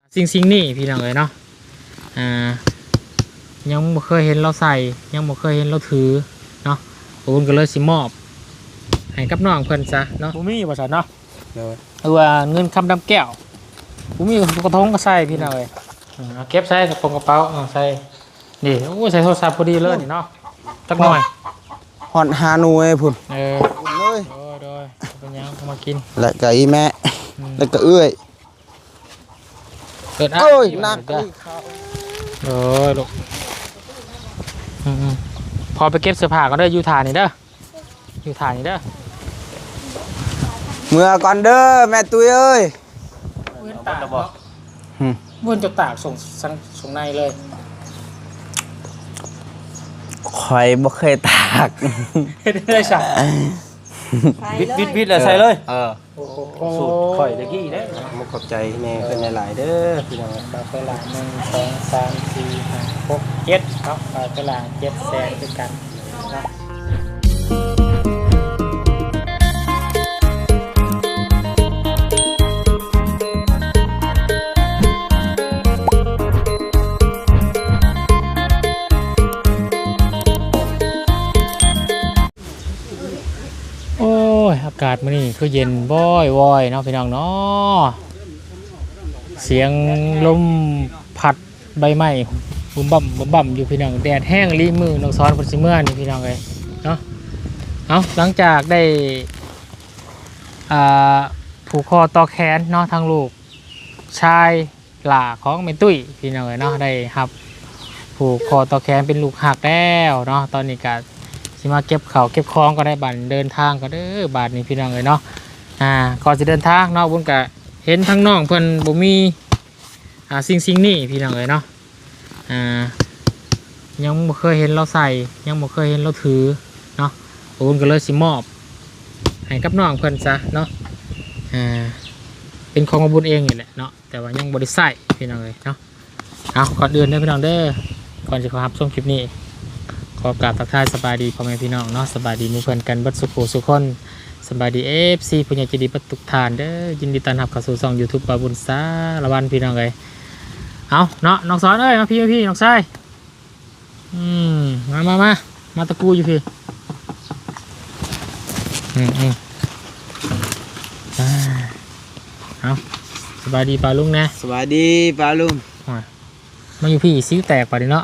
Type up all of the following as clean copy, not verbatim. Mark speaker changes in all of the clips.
Speaker 1: สิ่งนี่พี่น้องเลยเนาะยังบ่เคยเห็นเราใส่ยังบ่เคยเห็นเราถือเนาะผมก็เลยสิมอบให้กับน้องเพิ่นซะเนาะผมมีบ่ซั่นเนาะเอาว่าเงินคำดำแก้วผมมีกระทงก็ใส่พี่น้องเลยเอาเก็บใส่กระโปรงกระเป๋าใส่นี่โอ้ใส่โทรศัพท์พอดีเลยนี่เนาะจักหน่อย
Speaker 2: ฮอนฮานูเอ้พุ่น
Speaker 1: เลยโดยเป็นยังมากิน
Speaker 2: แล้วก็อีแม่แล้วก็เอื้อย
Speaker 1: เกิด
Speaker 2: โอ้ยนัก
Speaker 1: ลูกพอไปเก็บเสื้อผ้าก็ได้อยู่ฐานนี่เด้ออยู่ฐานนี่เด้อ
Speaker 2: เมื่อก่อนเด้อแม่ตุ้ยเอ้ย
Speaker 1: เว้นตากม้วนจะตากส่งในเลย
Speaker 2: ข่อยบ่เคยตาก
Speaker 1: ได้สั่ง
Speaker 2: วิดเลยใส่เลย
Speaker 1: สูตรข่อยตะกี้ได้
Speaker 2: มุกขอบใจแม่เป็นหลายเด้อพี่น้อง
Speaker 1: ไปหลาย1 2 3 4 5 6 7เนาะไปหลาย7แสนด้วยกันเนาะอากาศมื้อนี้คือเย็นบ่อยๆเนาะพี่น้องเนาะเสียงลมพัดใบไม้บุ่มบ่ำอยู่พี่น้องแดดแห้งรีมือน้องซ้อนเพิ่นสิเมื่อนี่พี่น้องเอ้ยเนาะเอาหลังจากได้ผูกคอต่อแขนเนาะทางลูกชายหล่าของแม่ตุ้ยพี่น้องเอ้ยเนาะได้ครับผูกคอต่อแขนเป็นลูกหักแล้วเนาะตอนนี้ก็สิมาเก็บเข่าเก็บคล้องก็ได้บัตรเดินทางก็เด้อบาทนี้พี่น้องเลยเนาะก่อนจะเดินทางเนาะบุญกะเห็นทั้งน้องเพิ่นบ่มีสิ่งนี่พี่น้องเลยเนาะยังบ่เคยเห็นเราใส่ยังบ่เคยเห็นเราถือเนาะบุญก็เลยสิมอบให้กับน้องเพิ่นซะเนาะเป็นของบุญเองนี่แหละเนาะแต่ว่ายังบ่ได้ใส่พี่น้องเลยเนาะเอาก่อนเดินเด้อพี่น้องเด้อก่อนจะขอรับชมคลิปนี้ขอกราบทักทายสบายดีพ่อแม่พี่น้องเนาะสบายดีมุ่งเพื่อนกันบัดสุขสุขคนสบายดีFCผู้ใหญ่ใจดีบัดทุกทานเด้อยินดีต้อนรับเข้าสู่ช่อง YouTube ปาบุญสารวันพี่น้องเลยเอาเนาะน้องสอนเอ้ยมาพี่น้องชายมาตะกูอยู่พี่เอาสบายดีปาลุงนะ
Speaker 2: สบายดีปาลุง
Speaker 1: มาอยู่พี่ซิ้วแตกป่ะดิเนาะ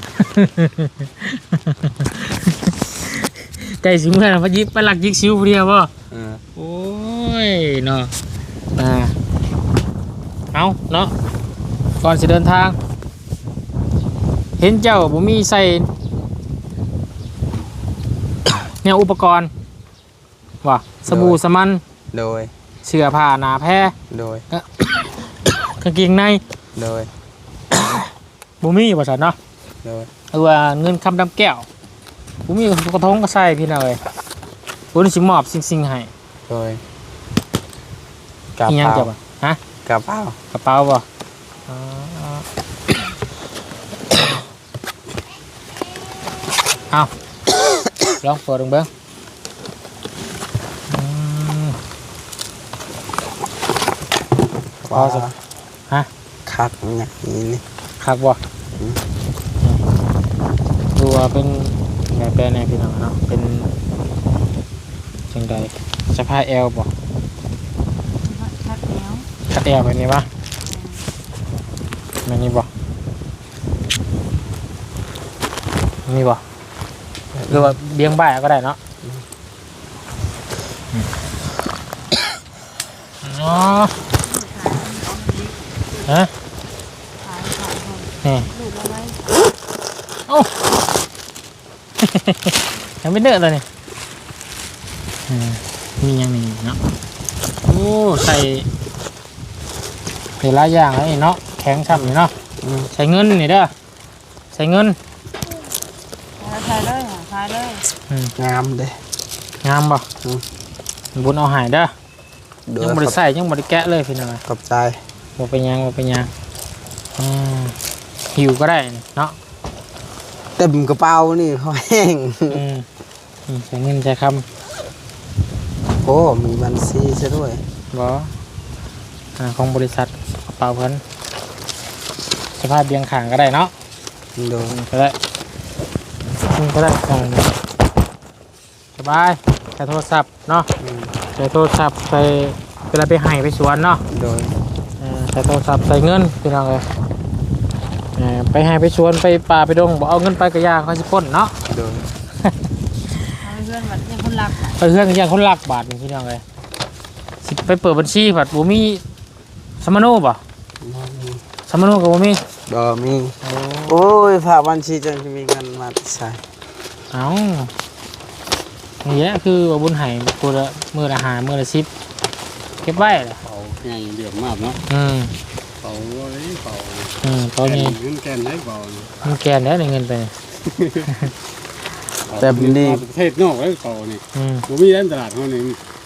Speaker 1: ใจสิเมื่อเรายิบไปหลักยิกซิ้วเดียวป่ะโอ้ยเนาะเอาเนาะก่อนจะเดินทางเห็นเจ้าผมมีใส่เนี่ยอุปกรณ์ว่ะสบู่สมัน
Speaker 2: โดย
Speaker 1: เสื้อผ้าหนาแพร่
Speaker 2: โดย
Speaker 1: กางเกงใน
Speaker 2: โดย
Speaker 1: บุมีภาษาเนาะเอาว่าเงินคำดำแก้วบุมีกระทงก็ใส่พี่น้องเลยบุญสิมอบสิ่งให้
Speaker 2: โดยกระเป๋า
Speaker 1: ฮะ
Speaker 2: กระเป๋า
Speaker 1: บ่เอาลองเปิดดูเบิ้ง
Speaker 2: ว้าว
Speaker 1: ฮะ
Speaker 2: คักเนี่ยนี่
Speaker 1: คักบ่ดูว่าเป็นแบบแปลในพี่น้องเนาะเป็นจังใดสภาพแอลบ่คัดแอลแบบนี้ปะแบบนี้บ่นี่บ่หรือว่าเบี้ยงบ่ายก็ได้เนาะอ๋อฮะนี่โอ้ยังไม่เดือดเลยนี่มียังมีเนาะโอ้ใส่หลายอย่างเลยเนาะแข็งฉ่ำอยู่เนาะใส่เงินนี่เด้อใส่เงิน
Speaker 3: ใส่เลยใส่เลย
Speaker 2: งามเด้
Speaker 1: งามป่ะบุญเอาหายเด้อยังบริใส่ยังบริแกะเลยพี่น้อง
Speaker 2: ขอบใจ
Speaker 1: บ่เป็นยังหิวก็ได้เนาะ
Speaker 2: เต็มกระเป๋านี่เขาแห้ง
Speaker 1: ใช้เงินใช้ค
Speaker 2: ำโอ้มีบัญชีซะด้วย
Speaker 1: บ่ของบริษัทกระเป๋าเพิ่นพาพเบียงขางก็ได้เนาะ
Speaker 2: โดย
Speaker 1: ก็ได้ก็ได้สบายใช้โทรศัพท์เนาะใช้โทรศัพท์ใส่เวลาไปไห้ไปสวนเนาะ
Speaker 2: โดย
Speaker 1: ใช้โทรศัพท์ใส่เงินพี่น้องเลยไปไห้ไปสวนไปป่าไปดงบอกเอาเงินไปกระยาเขาสิปล้นเนาะ
Speaker 2: โดย
Speaker 3: เอาเพื่อนแบบยังคนรัก
Speaker 1: ไปเพื่อนอย่างคนลักบาทนี่พี่น้องเลยสิไปเปิดบัญชีบัตรบ่มีสมโนบ่สมโนกับบ่มี
Speaker 2: บ่มีโอ้ยฝากบัญชีจังจะมีเงินมาใช้
Speaker 1: เอ้าอย่างเงี้ยคือว่าบุญไห้ตัวละมื้อละหามื้อละ10เก็บไว้ล่ะ
Speaker 4: เป่าไงเดือดมากเนาะ
Speaker 1: อืม
Speaker 4: เป่าไว้เป่า
Speaker 1: ตอนนี้
Speaker 4: เงินแกนได้เป่า
Speaker 1: มันแกนแล้วได้เงินไปนี่
Speaker 2: แต่นี่
Speaker 4: ประเทศนอกแล้วเป่านี่
Speaker 1: อืม
Speaker 4: บ่มีร้านตลาดเท่านี้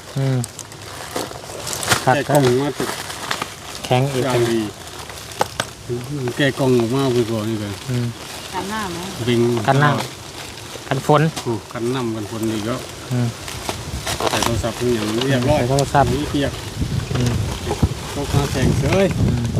Speaker 1: ขัด
Speaker 4: แกะก
Speaker 1: ก็
Speaker 4: ล่องมาติด
Speaker 1: แข็งอีก
Speaker 4: อย่างดีแกะกล่องออกมาไปก่อนนี่เลย
Speaker 1: อืม
Speaker 3: กันหน้าไหม
Speaker 4: บิง
Speaker 1: กันนั่งกันฝน
Speaker 4: โอ้กันน้ำกันคนอีกก็
Speaker 1: อืม
Speaker 4: ใส่โทรศัพท์อย่างเรียบร้อย
Speaker 1: ใส่โทรศัพท์
Speaker 4: นี่เปียก
Speaker 1: อืม
Speaker 4: ตกมาแข่งเสย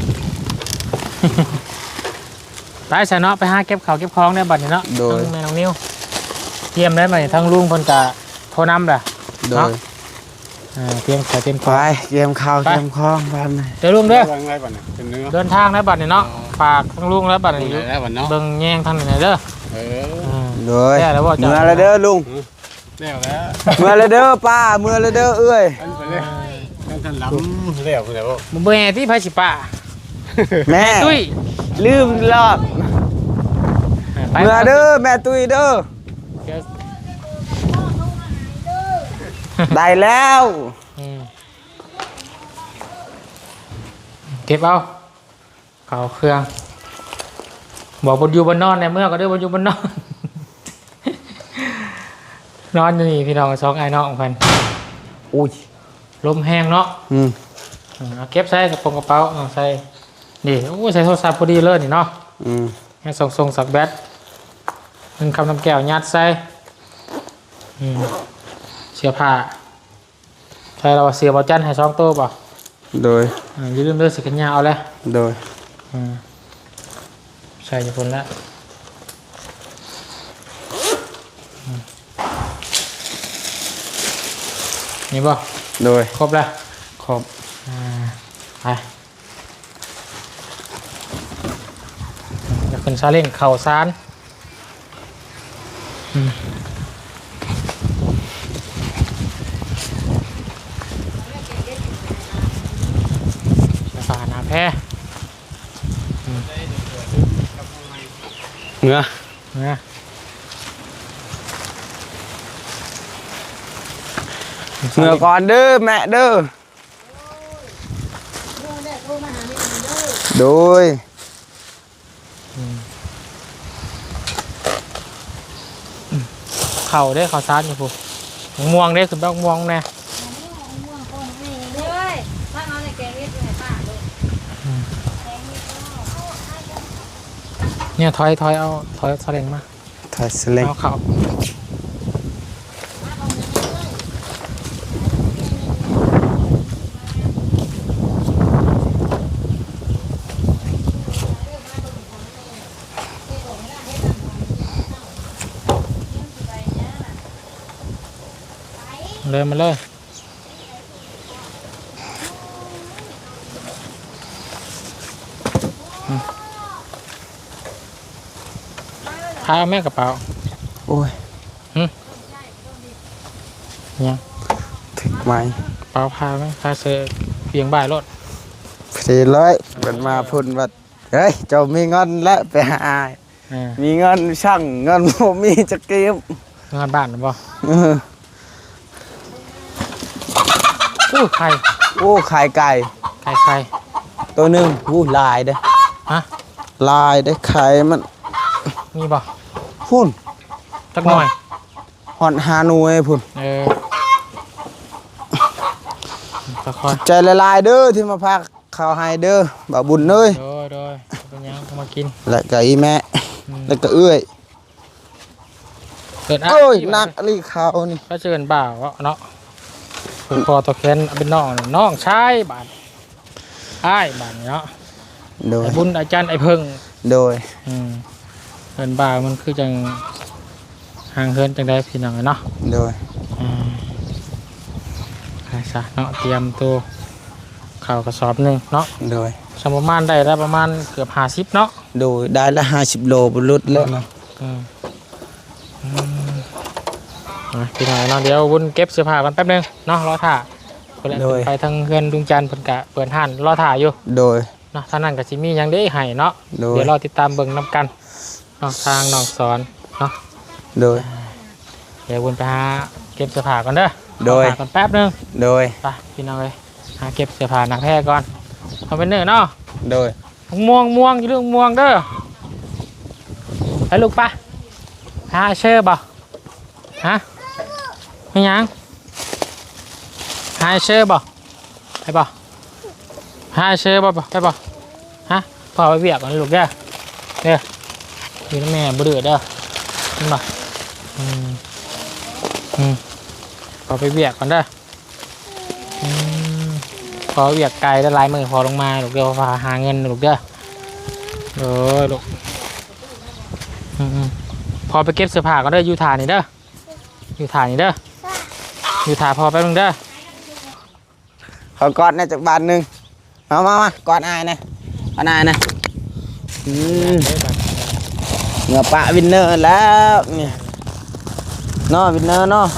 Speaker 1: ไปใส่เนาะไปหาเก็บข้าวเก็บของได้บัดนี้เนาะทั้งแม่น้องนิ้วเตรียมได้ไหมทั้งลุงเพิ่นจะโทรนำล่ะ
Speaker 2: โดย
Speaker 1: เตรียมขอเตรียมข
Speaker 2: ไป
Speaker 1: อง
Speaker 2: เกมข้าว
Speaker 1: ไป
Speaker 2: เกมคล้องบ้าน
Speaker 1: เดี๋ยวลุงเด้อ
Speaker 4: วางไรบ้างเนี่ยเป็นเนื้อ
Speaker 1: เดินทางได้บัดนี้เนาะฝากทั้งลุงแล้วบัด
Speaker 4: เป็น
Speaker 1: นี้
Speaker 4: แล้วบ้านเนาะ
Speaker 1: เบิ่งแย่งทางไหนเด้อ
Speaker 4: เออ
Speaker 2: โดย
Speaker 1: ได้แล้วบ่จ๊ะ
Speaker 2: เมื่อไรเด้อลุง
Speaker 4: แล้วแล้ว
Speaker 2: เมื่อไรเด้อป้าเมื่อไรเด้อเอ้ย
Speaker 4: อันไปเลยท่านล้ำแล้วคุณแล้ว
Speaker 1: มึงเบิ่งแห่ที่ไผสิป้า
Speaker 2: แม่
Speaker 1: ตุ้ย
Speaker 2: ลืมรอด
Speaker 1: ไป
Speaker 2: เมื่อเด้อแม่ตุ้ยเด้อ
Speaker 1: เดี๋ยว
Speaker 2: ได้แล้ว
Speaker 1: อืมเก็บเอาเขาเครื่อง บอกบนอยู่บนนอนในเมื่อก็เด้อบนอยู่บนนอน นอนอยู่นี่พี่น้องสองไอ้น้องกัน
Speaker 2: อุ้ย
Speaker 1: ลมแห้งเนาะ
Speaker 2: อืม
Speaker 1: เอาเก็บใส่กระโปรงกระเป๋าเอาใส่นี่โอ้ใส่โทรศัพท์พอดีเลยนี่เนาะ
Speaker 2: อืม
Speaker 1: ให้ส่งสักแบตหนึ่งคำน้ำแก้วยัดใส่อืมเสื้อผ้าใช่เราว่าเสียบอจันให้2 ตัวป่ะ
Speaker 2: โดย
Speaker 1: อย่าลืมเลือกสีกันยาวเอาเลย
Speaker 2: โดย
Speaker 1: ใส่อยู่คนละนี่ป่ะ
Speaker 2: โดย
Speaker 1: ครบแล้ว
Speaker 2: ขอบ
Speaker 1: ไปจะขึ้นซาเล้งเข่าซานฝาหน้าแพ้
Speaker 2: เมื่อ
Speaker 1: นะ
Speaker 2: เมื่อก่อนเด้อแม่เด้อโดย
Speaker 1: เข่าได้เข่าซานอยู่ปุ๊ม่วงได้คือแบบม่วงแน่
Speaker 3: ด้วยถ้าเอาในแกงเรียกอยู่ไหนป้าด้วย
Speaker 1: เนี่ยถอยเอาถอยซาเล้งมา
Speaker 2: ถ่ายสเล็ง
Speaker 1: เอาเข่าเลยมาเลยพาเอาแม่กระเป๋า
Speaker 2: โอ้ย
Speaker 1: เนี่ย
Speaker 2: ถึงไหม
Speaker 1: กระเป๋าพาไหมพาเสื้อเพียงบ่ายรถ
Speaker 2: 400เป็นมาพุ่นว่าเฮ้ยเจ้ามีเงินแล้วไปหามีเงินช่างเงินผมมีจะเก็บ
Speaker 1: งานบ้านหรือเปล่า
Speaker 2: เออ
Speaker 1: อู้ไข่
Speaker 2: โอ้ไข่ไก่
Speaker 1: ไข่
Speaker 2: ตัวหนึ่งอู้ลายเด้อ
Speaker 1: ฮะ
Speaker 2: ลายได้อไข่มัน
Speaker 1: มีบ่
Speaker 2: พุ่น
Speaker 1: จักหน่อย
Speaker 2: หอนฮาหน่วยพุ่น
Speaker 1: ค่อย
Speaker 2: ใจละลายเด้อที่มาพักข้าวให้เด้อบ่าวบุญเอ้ย
Speaker 1: โดยเป็นยังเอามากิน
Speaker 2: และก็อีแม่แล้วก็เอื้อย
Speaker 1: เกิด
Speaker 2: โอ้ยหนักอะไรข้าวนี่
Speaker 1: ก็เชิญบ่าวเนาะผูกคอตัวแขนเป็นน้องชายบาทอ้ายบาทเนาะ
Speaker 2: โดย
Speaker 1: ไอ้บุญอาจารย์ไอ้เพิ่ง
Speaker 2: โดย
Speaker 1: เฮินบ่าวมันคือจังห่างเฮินจังได้พี่น้องเนาะ
Speaker 2: โดย
Speaker 1: ใช่ซะเนาะเตรียมตัวข่าวกระสอบหนึ่งเนาะ
Speaker 2: โดย
Speaker 1: สมประมาณได้แล้วประมาณเกือบ50เนาะ
Speaker 2: โดยได้ละ50โลบรุษแล้วนะ
Speaker 1: พี่น้องเนาะเดี๋ยววุ่นเก็บเสื้อผ้ากันแป๊บนึงเนาะรอถ่าเพิ่นไปทางเฮือนลุงจันทร์เพิ่นกะเปิดห้านรอถ่าอยู่
Speaker 2: โดย
Speaker 1: เนาะท่านั้นก็สิมีหยังได้ให้เนาะ
Speaker 2: โดย
Speaker 1: เดี๋ยวรอติดตามเบิ่งนํกันเนาะทางน้องสอนเนาะ
Speaker 2: โดย
Speaker 1: เดี๋ยววุ่นไปหาเก็บเสื้อผ้าก่อนเด้อ
Speaker 2: โดย
Speaker 1: รอถ่าก่อนแป๊บนึง
Speaker 2: โดย
Speaker 1: ไปพี่น้องเลยหาเก็บเสื้อผ้าหนักแท้ก่อนเอาเป็นเนื้อเนาะ
Speaker 2: โดย
Speaker 1: ม่วงอยู่เรื่องม่วงเด้อไปลูกปะหาเชื่อบ่ฮะไม่ยังหาเชื่อบ่ไปบ่หาเชื่อบ่ไปบ่ฮะพอไปเบียกก่อนลูกเด้ออยู่น้ำแม่บ่เดือดเด้อเห็นบ่พอไปเบียกก่อนเด้อพอเบียกไกลแล้วลายมือพอลงมาลูกเด้อพาหาเงินลูกเด้อลูกพอไปเก็บเสื้อผ้าก็ได้อยู่ฐานนี่เด้ออยู่ฐานนี่เด้ออยู่ฐานพอแป๊บนึงเด้อ
Speaker 2: ขอกอดนะจากบ้านหนึงมากอดอายนะกอดอายนะเหงือปะวินเนอร์แล้วเนี่ยเนาะวินเนอร์เนาะ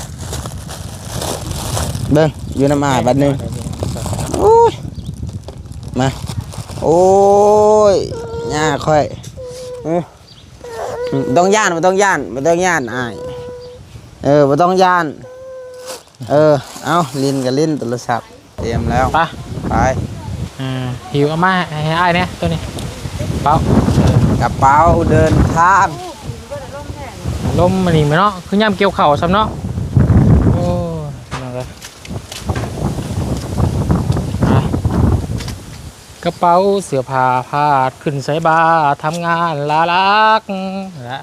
Speaker 2: เบิ่งอยู่น้ำอายบ้านหนึงโอ้ยมาโอ้ยย่าค่อยต้องย่านบ่ต้องย่านอายบ่ต้องย่านเอาลิ้นกับลิ้นโทรศัพท์เตรียมแล้วไป
Speaker 1: หิวเอามาให้อ้ายเนี่ยตัวนี้เปล่าก
Speaker 2: ระเป๋าเดินทาง
Speaker 1: ลมมันนี่มั้ยเนาะคือย่ำเกี่ยวเข่าซ้ำเนาะโอ้นั่นเลยกระเป๋าเสื้อผ้าพาดขึ้นใส่บาทำงานลาลักนะ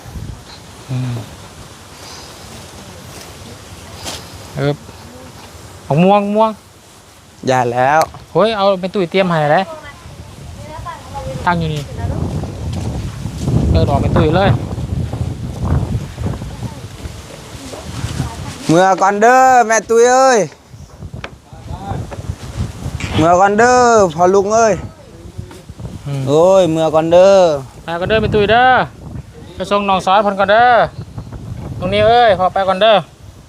Speaker 1: ของม่วง
Speaker 2: อย่าแล้ว
Speaker 1: เฮ้ยเอาไปตุ้ยเตรียมให้เลยตั้งอยู่นี่ดอกไปตุ้ยเลย
Speaker 2: เมื่อก่อนเด้อแม่ตุ้ยเอ้ยเมื่อก่อนเด้อพอลุงเอ้ยโอ้ยเมื่อก่อนเด้อ
Speaker 1: ไปก่อนเด้อไปตุ้ยเด้อไปส่งน้องซอยพนก่อนเด้อตรงนี้เอ้ยพอไปก่อนเด้อ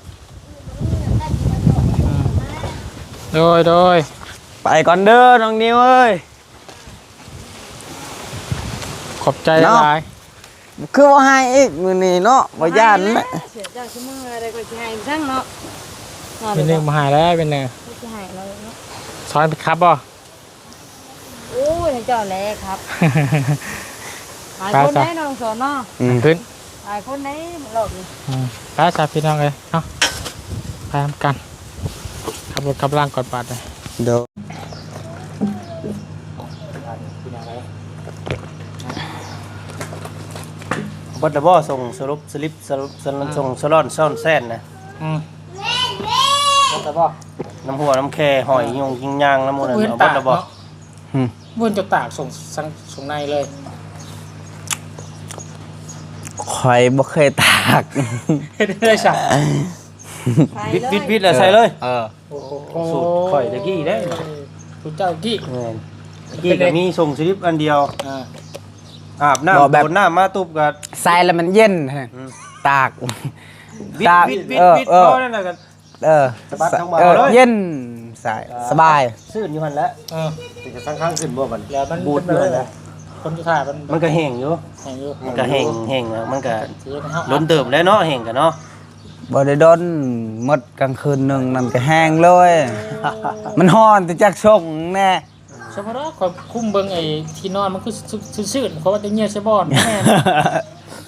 Speaker 1: โดย
Speaker 2: ไปก่อนเด้อน้องนิวเอ้ย
Speaker 1: ขอบใจหลาย
Speaker 2: คือว่าให้อีกมื้อนี้เนาะบ่ย่านแม่
Speaker 3: เสียเจ้าชั่วโมงอะไรก็สิให้ซั่งเนาะ
Speaker 1: เป็นหนึ่งมาหายแล้วเป็นหนึ่ง
Speaker 3: สิให้เราเนาะ
Speaker 1: ซอยไปครับบ่
Speaker 3: โอ้ยเจ้าแลครับหลายคนได้น้องสอนเนาะ
Speaker 1: ขึ้น
Speaker 3: หลายคนได้หลอกนี่
Speaker 1: ไปสาพี่น้องเลยเนาะไปทำกันขับรถขับล่างกอดบาดเลย
Speaker 2: เดี๋ยว
Speaker 5: บดบ่ส่งสรุปสลิปส่งสลอนซ่อนแซนนะ
Speaker 1: บดบ่
Speaker 5: น้ำหัวน้ำแค่หอยยงยิงยางน้ำมูลนั่น
Speaker 1: เว้น
Speaker 5: เอาบ
Speaker 1: ตา
Speaker 5: ด
Speaker 1: ก
Speaker 5: บ่
Speaker 1: เนาะเว้นจะตากส่งในเลย
Speaker 2: ข่อยบ่เคยตาก
Speaker 1: เฮ็ดได้สั่ง
Speaker 5: วิดแล้วใส่เลย
Speaker 1: โอ้โห
Speaker 5: สูตรข่อยตะกี้ได้
Speaker 1: สูตรเจ้ากี้
Speaker 5: แม่นตะกี้ก็มีส่งสลิปอันเดียว อาบน้ำ
Speaker 2: บ่แบบ
Speaker 5: โดนน้ำมาตุบกัน
Speaker 2: ใส่แล้วมันเย็นตาก
Speaker 5: วิด
Speaker 2: ตาก
Speaker 5: ก็นั่นน่ะกัน สะบัดทั้งบ่าเลย
Speaker 2: เย็นใส่สบาย
Speaker 5: ซื่นอยู่หั่นแหล้ว
Speaker 1: เ
Speaker 5: จะข้างๆขึ้นบ่บัด
Speaker 1: แล้วมัน
Speaker 5: บูดอยู่หั่นแหละ
Speaker 1: คนที่ถ่ายมัน
Speaker 5: มันก็แห้งอยู่
Speaker 1: แห้งอยู่
Speaker 5: มันก็แห้งอะมันก็
Speaker 1: สีนะครับ
Speaker 5: ล้นเติบแล้วเนาะแห้งกันเนาะ
Speaker 2: บ่ได้ดนหมดกลางคืนหนึงนั่นก็แห้งเลย มันฮ้อนแต่จักส่งแน่
Speaker 1: เฉพาะความคุ้มเบิ่งไอ้ที่นอนมันคือซื่อๆเพราะว่าจะเงียบใช่บ่อนแม่น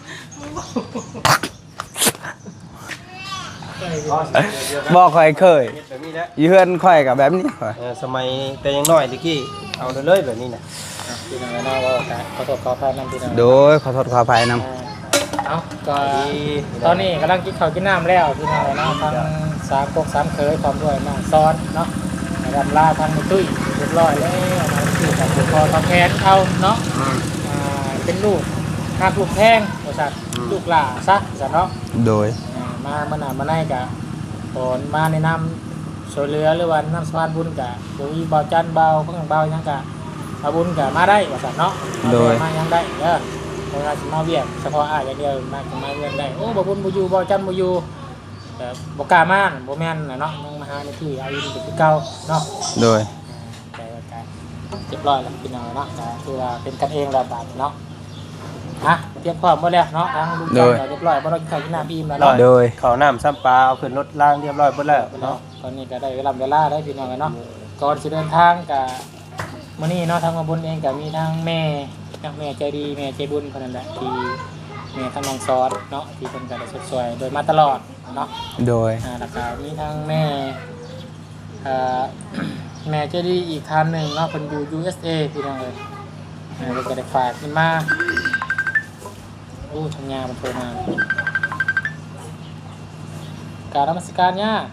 Speaker 2: บอกข่อยเคย
Speaker 5: แบบนี้แหละ
Speaker 2: อยู่เฮือนข่อยกับแบบนี้ข่อย
Speaker 5: สมัยแต่ยังน้อยตะกี้เอาเลยแบบนี้นะ
Speaker 1: พี่น้องเนาะว่าขอโทษขออภัยนำพี่น้อง
Speaker 2: โดยขอโทษขออภัยน
Speaker 1: เอาก็ตอนนี้กำลังกินข้าวกินน้ำแล้วพี่น้องเนาะทั้งสามกกสามเคยพร้อมด้วยน้องซ้อนเนาะนะครับลาทางตุ้ยเรียบร้อยแล้วมาที่กับคอตะแคนเอาเนาะเป็นลูกหักลูกแพงว่าซั่นลูกหล่าซะซั่นเนาะ
Speaker 2: โดย
Speaker 1: มามื้อหน้ามาในก็ตอนมาแนะนำช่วยเหลือหรือว่าน้ำสะพานบุญก็บ่มีบ่าวจันเบาเพิ่นเบาหยังก็เอาบุญก็มาได้ว่าซั่นเนาะมายังได้เด้อบ่ว่าสิมาเวียกเฉพาะอ้ายอย่างเดียวมาเวียกได้โอ้บ่บุญบ่อยู่บ่จันบ่อยู่แต่บ่กล้ามาบ่แม่นน่ะเนาะยังมาหาในที่เอาอยู่คือเก่าเนาะ
Speaker 2: โดย
Speaker 1: แต่ก็เรียบร้อยแล้วพี่น้องเนาะก็คือว่าเป็นกันเองแล้วบาดเนาะอ่ะเตรียมพร้อมหมดแล้วเนาะทางลุงจันก็เรียบร้อยบ่ต้องกินข้าวกินน้ำอิ่มแล้วเนาะ
Speaker 2: โดย
Speaker 5: ข้าวน้ำซ้ำปลาเอาขึ้นรถล่างเรียบร้อยหมดแล้ว
Speaker 1: เนาะ
Speaker 5: เนาะ
Speaker 1: ตอนนี้ก็ได้เวลาได้พี่น้องเนาะก่อนสิเดินทางก็มื้อนี้เนาะทางมาบุญเองก็มีทางแม่ใจดีแม่ใจบุญเพิ่นนั่นแหละที่แม่ทางน้องซอสเนาะที่เพิ่นก็ได้สวยๆโดยมาตลอดเนาะ
Speaker 2: โดย
Speaker 1: แล้วก็มีทางแม่แม่ใจดีอีกท่านหนึ่งเนาะเพิ่นอยู่ USA พี่น้องเอ้ยเพิ่นก็ได้ฝากขึ้นมาโอ้ทำงานมันโทรมาการนมัสการย่า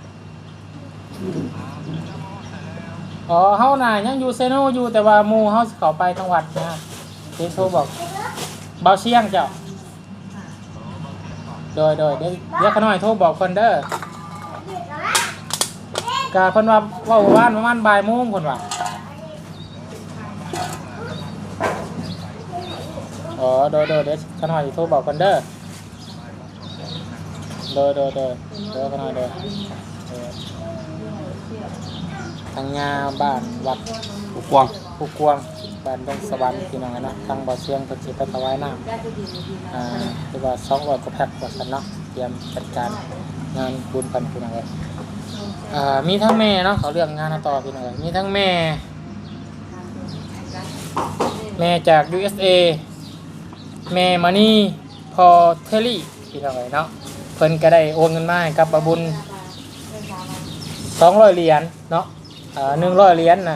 Speaker 1: อ๋อเฮาน่ะยังอยู่เซโนอยู่แต่ว่าหมู่เฮาสิเข้าไปทางวัดนะเพิ่นโทรบอกเบาเชียงเจ้าโดยเดี๋ยวขน้อยโทรบอกเพิ่นเด้อกะเพิ่นว่าว่านประมาณบ่ายโมงเพิ่นว่าอ๋อโดยเดี๋ยวขน้อยสิโทรบอกเพิ่นเด้อโดยขน้อยเด้อทางงาบ้านวัด
Speaker 5: ผู้กวาง
Speaker 1: ผู้กวางบ้านดงสวรรค์พี่น้องนะทางบ่อเชียงเพิ่นสิไปถวายน้ำคือว่า200กว่าแพ็คว่าซั่นเนาะเตรียมจัดการงานบุญเพิ่นพี่น้องเอ้ยมีทั้งแม่เนาะเขาเรื่องงานต่อพี่น้องมีทั้งแม่จาก USA แม่มานี่พอเทลลี่พี่น้องเนาะเพิ่นก็ได้โอนเงินมาให้กับบาบุญ200เหรียญเนาะ100เหรียญน่ะ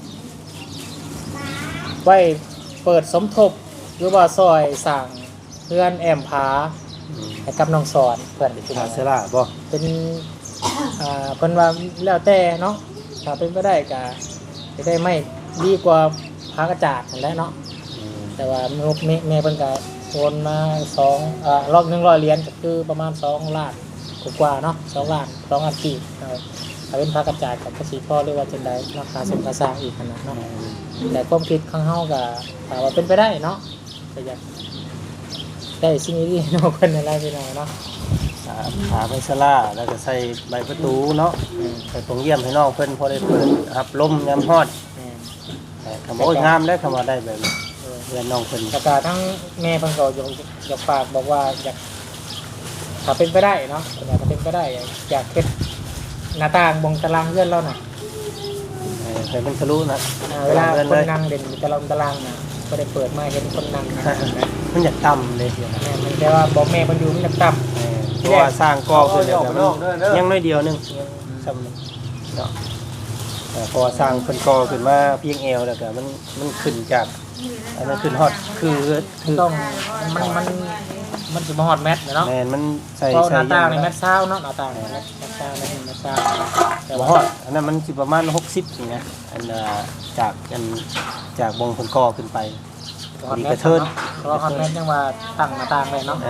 Speaker 1: ไว้เปิดสมทบหรือว่าซอยสั่งเพื่อนแอมผาให้กับน้องสอนเพื่อนพี่น้
Speaker 5: หา
Speaker 1: อง
Speaker 5: เสลาบ่
Speaker 1: เป็นเพิ่นว่าแล้วแต่เนาะถ้าเป็นไปได้ก็จะได้ไม่ดีกว่าพากระจาดนั่นแหละเนาะแต่ว่าแม่เพิ่นก็โอนมารอบ100เหรียญก็คือประมาณ2ล้านกว่าเนาะ2ล้านกีบถ้าเป็นพากระจาดกับภาษีพ่อเรียกว่าจังได๋ราคาสมราคาอีกขนาดเนาะแต่ความคิดของเฮาก็ถ้าว่าเป็นไปได้เนาะก็อยากได้สิ่งดีๆเนาะเพิ่นอะไรพี่น้องเนาะ
Speaker 5: หาไปสลาแล้วก็ใส่ใบประตูเนาะใส่ตรงเยี่ยมให้น้องเพิ่นพอได้เปิดรับลมยามฮอดคำว่าโอ้ยงามได้คำว่าได้แบบนี้เรียนน้องเพิ่น
Speaker 1: แต่ทั้งแม่เพิ่นก็อยากฝากบอกว่าอยากถ้าเป็นไปได้เนาะถ้าเป็นไปได้อยากเฮ็ดหน้าต่างบงตารางเลื่อนแล้วน่ะ
Speaker 5: ใส่เป็นทะลุนะ
Speaker 1: เวลาคนนั่งเด่นตารางน่ะก็ได้เปิดมาเห็นคนนั่งนะ
Speaker 5: มันอยากต่ำเลย
Speaker 1: แม่มันแต่ว่าบอกแม่มันอยู่มันอยากต่ำ
Speaker 5: เพราะว่าสร้างกอขึ้นแล้วมันยังน้อยเดียวนึงซ้ำเนาะพอสร้างเพิ่นกอขึ้นมาเพียงเอวแล้วก็มันขึ้นจากอันนั้นขึ้นฮอดคือ
Speaker 1: ต้องมันสิมาฮอดแมทเนาะ
Speaker 5: แม่นมันใส่
Speaker 1: เพราะห
Speaker 5: ใส่
Speaker 1: น้าต่างนี่แมทเช้าเนาะหน้าต่างแมทเช้าแมทเช้าแต่
Speaker 5: บ่
Speaker 1: ว่า
Speaker 5: ฮอดอันนั้นมันสิประมาณ60นี่นะอันจากบงเพิ่นกอขึ้นไป
Speaker 1: ฮอดแมทเนาะเพราะฮอดแมทยังว่าตั้งหน้าต่างไว้เนาะ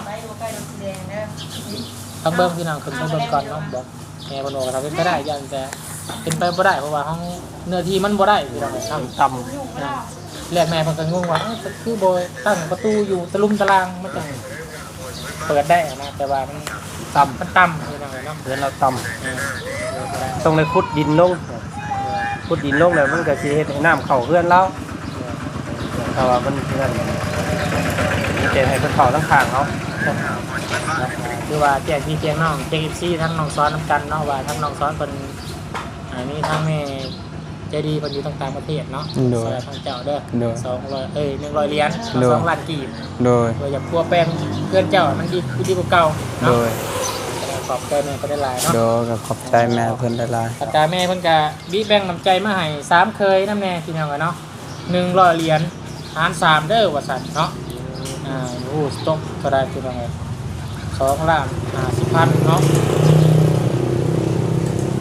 Speaker 1: ต้องเบิ่งพี่น้องขึ้นไปเบิ่งก่อนเนาะบอกแม่บ่โนก็ทำเป็นไปได้ยันแต่เป็นไปบ่ได้เพราะว่าห้องเนื้อที่มันบ่ได้พี่น้องครับ
Speaker 5: ต่
Speaker 1: แรกแม่เพิ่นก็งงว่าคือบ่ตั้งประตูอยู่ตะลุมตะลางมันจะเปิดได้นะแต่ว่ามันต่ำพี่น้องเนาะ
Speaker 5: ำเพื่อนเราต่ำต้องเลยขุดดินลงแล้วมันก็สิเฮ็ดให้น้ำเข้าเพื่อนเราแต่ว่ามันเพื่อนมีแต่ให้เพิ่นเข้าทั้งข้างเขา
Speaker 1: คือว่าแจกพี่แจกน้องแจก FC ทั้งน้องซ้อนนำกันเนาะว่าทั้งน้องซ้อนเพิ่นมีทั้งแม่ใจดีเพิ่นอยู่ต่างประเทศเนาะสวัสดีทางเจ้าเด้อ100เหรียญ2ล้านกีบ
Speaker 2: โดย
Speaker 1: โดยอยากพัวแป้งเพื่อนเจ้ามันดีกว่าเก่า
Speaker 2: โด
Speaker 1: เนาะ
Speaker 2: ย
Speaker 1: ขอบใจแม่ก็ได้หลายเนาะ
Speaker 2: โดยก็ขอบใจแม่เพิ่นได้หลาย
Speaker 1: อาจารย์แม่เพิ่นก็บีแบ่งน้ำใจมาให้3เคยนำแน่พี่น้องเนาะ100เหรียญหาร3เด้อว่าซั่นเนาะโอ้สต๊อกเท่าใดพี่น้อง2ล้าน50,000เนาะ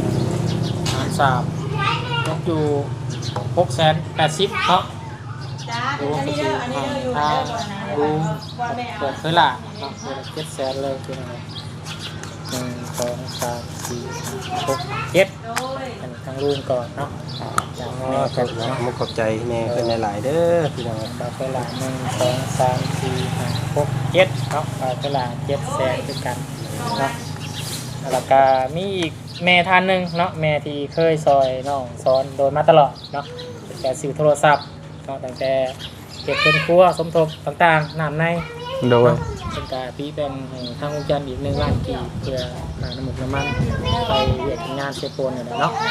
Speaker 1: หาร3ตกอยู่680,000เนาะดูว่าคือทางดูเปิดเผยละเนาะเปิด700,000เลยคืออะไร1 2 3 4 5 6 7อันนี้ทางลุงก่อนเนาะจากแม่
Speaker 5: ข
Speaker 1: กั
Speaker 5: อน บ
Speaker 1: เนาะ
Speaker 5: มุกขอบใจแม่เพิ่นหลายๆเด้อพี่น้อง
Speaker 1: เปิดเผยละ1 2 3 4 5 6 7เนาะเปิดเผยละ700,000ด้วยกันเนาะแล้วก็มีอีกแม่ท่านหนึ่งเนาะแม่ที่เคยซอยน้องสอนโดยมาตลอดเนาะตั้งแต่ซื้อโทรศัพท์เนาะตั้งแต่เก็บเป็นครัวสมทบต่างๆน้ำใน
Speaker 2: โดย
Speaker 1: เป็นการปีแบ่งให้ทางวงการอีก1 ล้านกีบเพื่อหาน้ำมันน้ำมันไปเวียดงานเซโปนเนี่ยเนาะ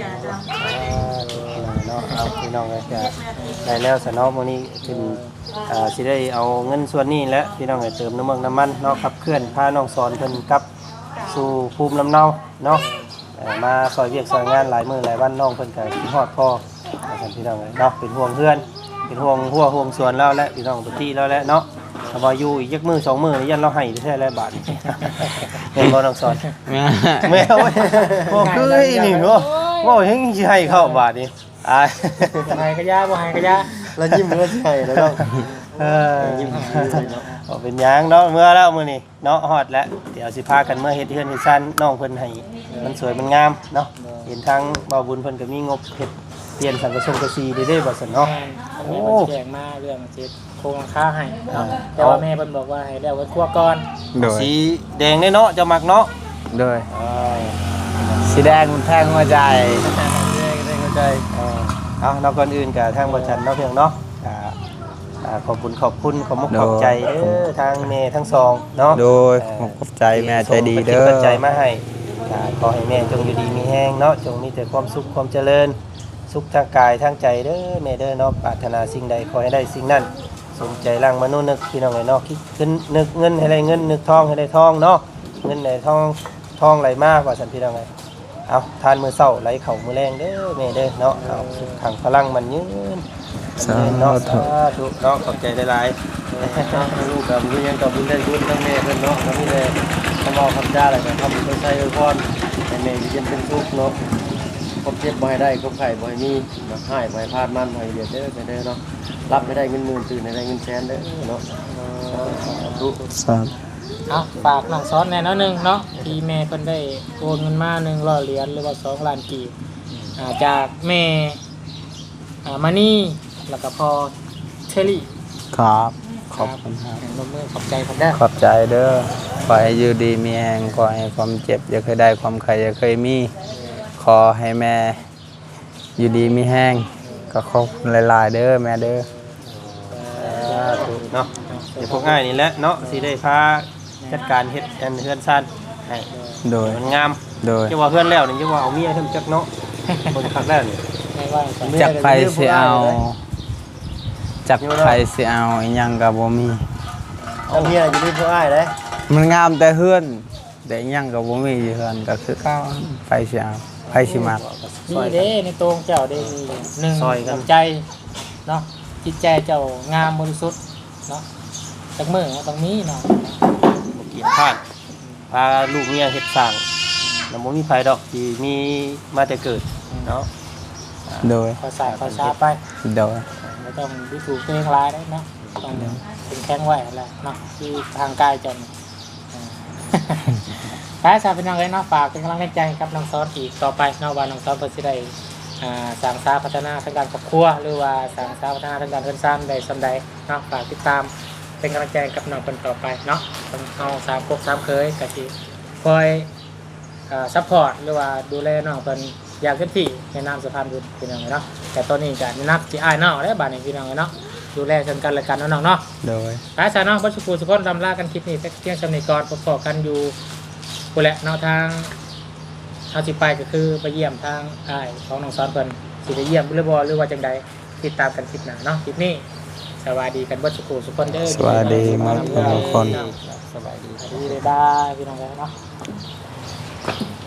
Speaker 5: เนาะเอาพี่น้องเลยจะได้แล้วสนอมื้อนี้ขึ้นสิได้เอาเงินส่วนนี้และพี่น้องให้เติมน้ำมันเนาะขับเคลื่อนพาน้องสอนเพิ่นกลับสู่ภูมิลำเนาเนาะมาซอยเวียกซอยงานหลายมื้อหลายวันน้องเพิ่นก็คิดฮอดพ่อพี่น้องเลยเนาะเป็นห่วงเพื่อนเป็นห่วงหัวห่วงสวนแล้วและพี่น้องทุกที่แล้วแหละเนาะถ้าว่าอยู่อีกจักมื้อ2 มื้อนี่ยันเราให้แท้แล้วบาดเห็นบ่น้องสอน แม่เว้ยบ่คือนี่เนาะบ่เห็นสิให้เข้าบาดนี่อาย
Speaker 1: บ่ให้กระยาบ่ให้กระยา
Speaker 5: แล้วยิ้มแล้วสิให้แล้วเนาะยิ้มบ่เป็นหยังเนาะเมื่อแล้วมื้อนี้เนาะฮอดแล้วเดี๋ยวสิพากันเมื่อเฮ็ดเฮือนเฮ็ดซั่นน้องเพิ่นให้มันสวยมันงามเนาะเห็นทางบ่าวบุญเพิ่นก็มีงบเฮ็ดเปลี่ยนสังกะสีได้บ่ซั่นเนาะ
Speaker 1: แม่มันแจ้งมาเรื่องเจ็ดโครงหลังคาให้เนาะแต่ว่าแม่เพิ่นบอกว่าให้แล้วไว้ครัวก่อน
Speaker 2: โดย
Speaker 5: สีแดงได้เนาะเจ้ามักเนาะ
Speaker 2: โดยสีแดงมันแทงหัวใจ
Speaker 5: ได้เข้าใจเอาเนาะก่อนอื่นก็ทางบ่ชันเนาะเพียงเนาะขอบคุณขอบมุกขอบใจเด้อทางแม่ทั้งสองเนาะ
Speaker 2: โดยขอบใจแม่ใจดีเด้อ
Speaker 5: ส่งปัจจัยมาให้ขอให้แม่จงอยู่ดีมีแห้งเนาะจงมีแต่ความสุขความเจริญสุขทางกายทางใจเด้อแม่เด้อเนาะปรารถนาสิ่งใดขอให้ได้สิ่งนั้นสมใจร่างมนุษย์นึกพี่น้องไอ้เนาะคิดขึ้นนึกเงินให้ได้เงินนึกทองให้ได้ทองเนาะเงินไหนทองไหลมากกว่าสันพี่น้องไงเอาทานมื้อเช้าไหลเข้ามื้อแรงเด้อแม่เด้อเนาะเอาสุขขังพลังมันยืน
Speaker 2: สา
Speaker 5: เนาะ
Speaker 2: ธุ
Speaker 5: สาธุเนาะขอบใจหลายๆลูกกับลูกยังกับบุญได้บุญทั้งแม่เพิ่นเนาะทั้งนี้เลยทำเอาคำจ้าอะไรกันทำเป็นใช้พรให้แม่อยู่เย็นเป็นสุขเนาะครบเจ็บบ่ให้ได้ครบไข่บ่ให้มีบ่ให้บ่ให้พลาดมันบ่ให้เดือดเด้อไปเด้อเนาะรับไม่ได้เงินหมื่นตื่นให้ได้เงินแสนเด้อเนาะสาธุ
Speaker 2: สาธุ
Speaker 1: เอาฝากน้องสอนแน่เนาะหนึงเนาะที่แม่เพิ่นได้โอนเงินมา100 เหรียญหรือว่า2 ล้านกีบจากแม่มานี่แล้วก็พอเชอรี่
Speaker 2: ครับขอบคุณครับ
Speaker 1: ลงมือขอบใจผมได้อ
Speaker 2: ขอบใจเด้อขอให้อยู่ดีมีแรงขอให้ความเจ็บอย่าเคยได้ความใครอย่าเคยมีขอให้แม่อยู่ดีมีแห้งก็ขอบคุณหลายๆเด้อแม่เด้อ
Speaker 5: สาธุเนาะเดี๋ยวพวกง่ายนี่แหละเนาะสิได้พาจัดการเฮ็ดอันเฮือนซ่านให้
Speaker 2: โดย
Speaker 5: มันงาม
Speaker 2: โดย
Speaker 5: จะว่าเฮือนแล้วนี่จะว่าเอาเมียขึ้นจักเนาะคนคักแล้วนี่
Speaker 1: ไม่ว่าจะ
Speaker 2: จักไผสิเอาจักไผสิเอาอีหยังก็บ่มี
Speaker 5: เอาเมียอยู่ที่ผู้อ้ายเด้
Speaker 2: มันงามแต่เฮือนแต่อีหยังก็บ่มีอยู่เฮือนก็คือเก่าไผสิเอาไผสิมัก
Speaker 1: นี่เด้ในตรงเจ้าเด้มีหนึ่งน้ำใจเนาะจิตใจเจ้างามบริสุทธิ์เนาะจักมือต้องมีเนาะ
Speaker 5: บ่เกียดพลาดพาลูกเมียเฮ็ดสร้างแล้วบ่มีไผดอกที่มีมาแต่เกิดเนาะ
Speaker 2: โดย
Speaker 1: คอยสายคอยช้าไป
Speaker 2: โดย
Speaker 1: ไม่ต้องดูถูกตัวเองหลายได้เนาะต้องเป็นแข้งไหวอะไรเนาะที่ทางกายจนถ้าชาวเป็นน้องเลยเนาะฝากเป็นกำลังใจกับน้องซอสอีกต่อไปเนาะว่าน้องซอสเพื่อสิได้สร้างสาพัฒนาทางการครอบครัวหรือว่าสร้างสาพัฒนาทางการเงินซ้ำใดซ้ำใดเนาะฝากติดตามเป็นกำลังใจกับน้องคนต่อไปเนาะต้องเอา3 ครบ 3 เคยกะทิคอยซัพพอร์ตหรือว่าดูแลน้องเป็นอย่างเต็มที่ในนามสะพานบุญพี่น้องเนาะแต่ตอนนี้ก็นับจีไอ้เนาะได้บาดนี้พี่น้องเนาะดูแลกันกันและกันเนาะเนาะ
Speaker 2: โดย
Speaker 1: หลายสายเนาะบัชุกูสุพนรำลากันคลิปนี้เที่ยงชำนิกรพบกันอยู่กูแหละเนาะทางเอาสิไปก็คือไปเยี่ยมทางอ้ายของน้องซ้อนเพิ่นสิไปเยี่ยมหรือบ่หรือว่าจังใดติดตามกันคลิปหน้าเนาะคลิปนี้สวัสดีกันบัชุกูสุพนเด้อ
Speaker 2: สวัสดีมากทุกคน
Speaker 5: สบายดี
Speaker 1: สวัสดีบ๊ายบายพี่น้องเนาะ